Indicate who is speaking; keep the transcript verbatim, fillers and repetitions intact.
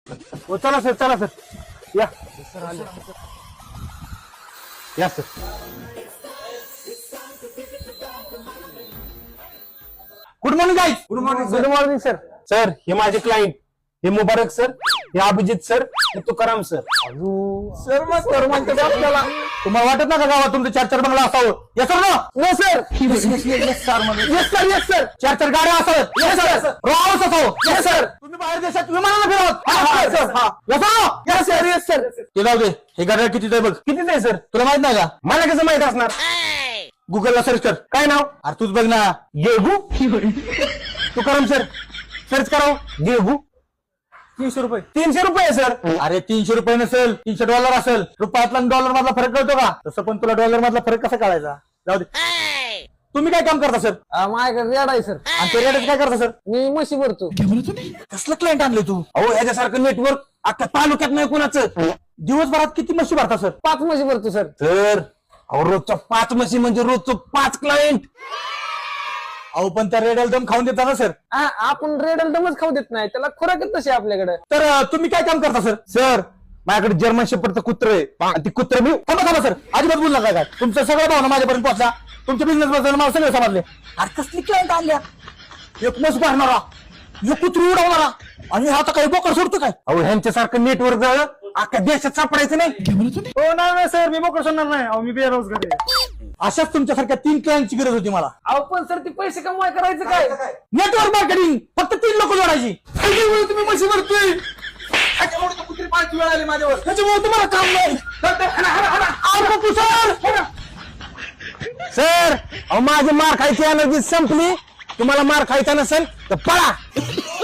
Speaker 1: हो चला सर चला सर या या sir good morning guys good morning good morning sir sir हे माझे क्लायंट हे मुबारक सर हे अभिजित सर हे तुकाराम सर सर मग सर म्हणतो आपल्याला तुम्हाला वाटत ना का गावात तुमचं चार चार बंगला असावं yes sir no sir yes sir yes sir चार चार गाड्या असाव्यात येस सर राहावंच असावं येस सर तुम्ही बाहेर देशात विमानानं फिरवत येस सर येस सर ते जाऊ दे हे गाड्या किती आहे बघ कितीच आहे सर तुला माहित नाही का मला कसं माहित असणार गुगलला सर्च कर काय नाव अरे तूच बघ ना गेहू तुकाराम सर सर्च करावं गेहू तीनशे रुपये तीनशे रुपये सर अरे तीनशे रुपये नसेल तीनशे डॉलर असेल रुपयातला डॉलर मधला फरक कळतो का तसं पण तुला डॉलर मधला फरक कसा कळायचा जाऊ दे तुम्ही काय काम करता सर
Speaker 2: माझ्याकडे रेड आहे सर
Speaker 1: आणि ते रेडच काय करता सर
Speaker 2: मी म्हशी भरतो
Speaker 1: कसलं क्लायंट आणले तू अहो ह्याच्यासारखं नेटवर्क आता तालुक्यात नाही कोणाचं दिवसभरात किती म्हशी भरता सर
Speaker 2: पाच म्हशी भरतो सर
Speaker 1: सर अहो रोजच्या पाच म्हशी म्हणजे रोजचं पाच क्लायंट अहो पण त्या रेड दम खाऊन देता ना सर
Speaker 2: आ- आपण रेड दमच खाऊ देत नाही त्याला खुराकच तशी आपल्याकडे
Speaker 1: तर अं, तुम्ही काय काम करता सर सर माझ्याकडे जर्मन शेपर्डचं कुत्र आहे आणि ती कुत्र मी थांबा थांबा सर अजिबात बोलू नका काय तुमचं सगळं भावना माझ्यापर्यंत पोहोचला तुमच्या बिझनेस बद्दल मला सगळं समजले अरे कसली क्लायंट आणल्या एक मस भरणारा एक कुत्री उडवणारा आणि आता काही बोकर सोडतो काय अहो ह्यांच्यासारखं नेटवर्क जवळ अख्ख्या देशात सापडायचं नाही हो नाही सर मी बोकर सोडणार नाही अहो मी बेरोजगार आहे अशाच तुमच्यासारख्या तीन क्लायंटची गरज होती मला
Speaker 2: अहो पण सर ते पैसे कमवाय करायचं काय
Speaker 1: नेटवर्क मार्केटिंग फक्त तीन लोक जोडायची त्याच्यामुळे तुम्ही म्हशी भरतोय त्याच्यामुळे कुत्री पाच वेळ आली माझ्यावर त्याच्यामुळे तुम्हाला काम नाही सर सर अहो माझी मार खायची एनर्जी संपली तुम्हाला मार खायचा नसेल तर पळा